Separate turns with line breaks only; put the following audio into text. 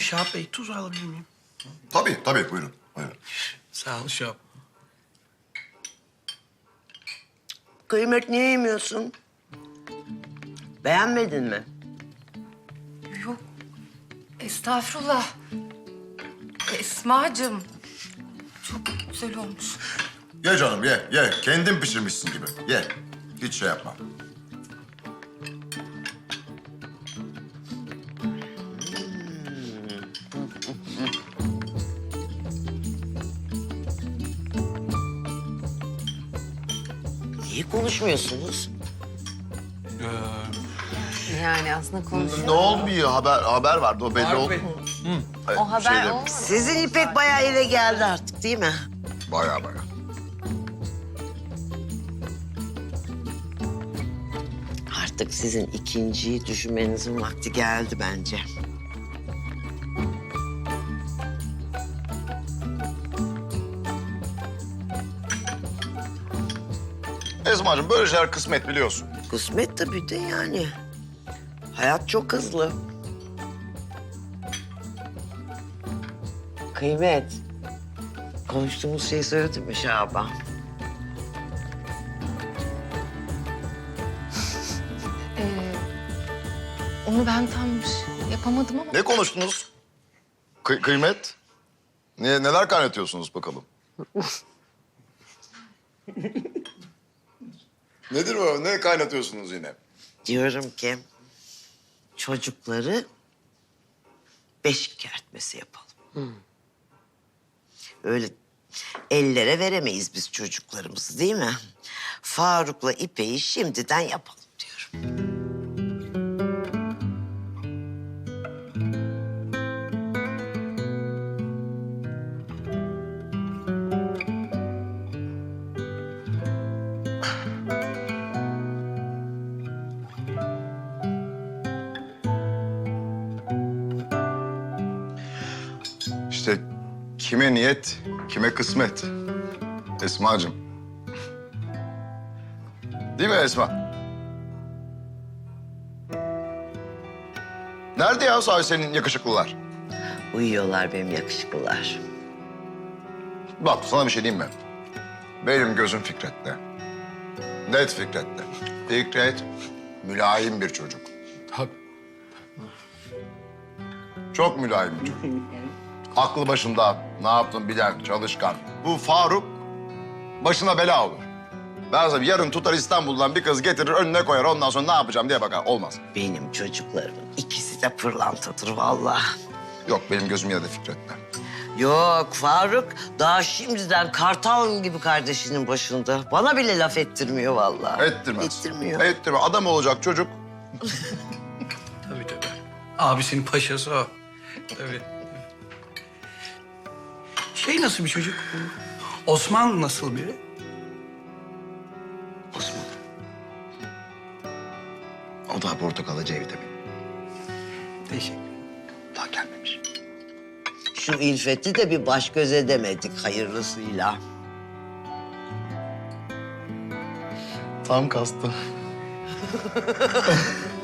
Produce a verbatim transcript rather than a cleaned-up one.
Şahap Bey, tuz alabilir miyim?
Tabii, tabii. Buyurun. Buyurun.
Sağ ol Şahap.
Kıymet niye yemiyorsun? Beğenmedin mi?
Yok. Estağfurullah. Esma'cığım. Çok güzel olmuş.
Ye canım, ye, ye. Kendin pişirmişsin gibi. Ye. Hiç şey yapma.
Niye konuşmuyorsunuz?
Yani aslında konuşuyor.
Ne olmuyor? Haber haber vardı. O belli
Faruk
oldu.
Bey.
O haber
Şeyde,
olmadı.
Sizin İpek bayağı ele geldi artık değil mi?
Bayağı bayağı.
Artık sizin ikinciyi düşünmenizin vakti geldi bence.
Esma'cığım böyle şeyler kısmet biliyorsun.
Kısmet tabii de yani. Hayat çok hızlı. Kıymet. Konuştuğumuz şeyi söyledin mi Şaban?
Ee, onu ben tam şey yapamadım ama...
Ne konuştunuz? Kı- kıymet? Ne, neler kaynatıyorsunuz bakalım? Nedir o? Ne kaynatıyorsunuz yine?
Diyorum ki çocukları beşik kertmesi yapalım. Öyle ellere veremeyiz biz çocuklarımızı değil mi? Faruk'la İpek'i şimdiden yapalım diyorum.
İşte kime niyet, kime kısmet. Esma'cığım. Değil mi Esma? Nerede ya sahi senin yakışıklılar?
Uyuyorlar benim yakışıklılar.
Bak sana bir şey diyeyim mi? Benim gözüm Fikret'te. Net Fikret'te. Fikret mülayim bir çocuk.
Tabii.
Çok mülayim bir çocuk. Aklı başında, ne yaptın bilen, çalışkan. Bu Faruk başına bela olur. Ben sana yarın tutar İstanbul'dan bir kız getirir önüne koyar. Ondan sonra ne yapacağım diye bakar. Olmaz.
Benim çocuklarımın ikisi de pırlantadır vallahi.
Yok benim gözüm yine de Fikret'te.
Yok Faruk daha şimdiden kartal gibi kardeşinin başında. Bana bile laf ettirmiyor vallahi.
Ettirmez.
Ettirmiyor.
Ettirmez. Adam olacak çocuk.
Tabii tabii. Abisinin paşası o. Tabii. Şey nasıl bir çocuk? Osman nasıl biri?
Osman. O da portakalı C vitamini.
Teşekkür.
Daha gelmemiş.
Şu İlfet'i de bir baş göz edemedik hayırlısıyla.
Tam kastı.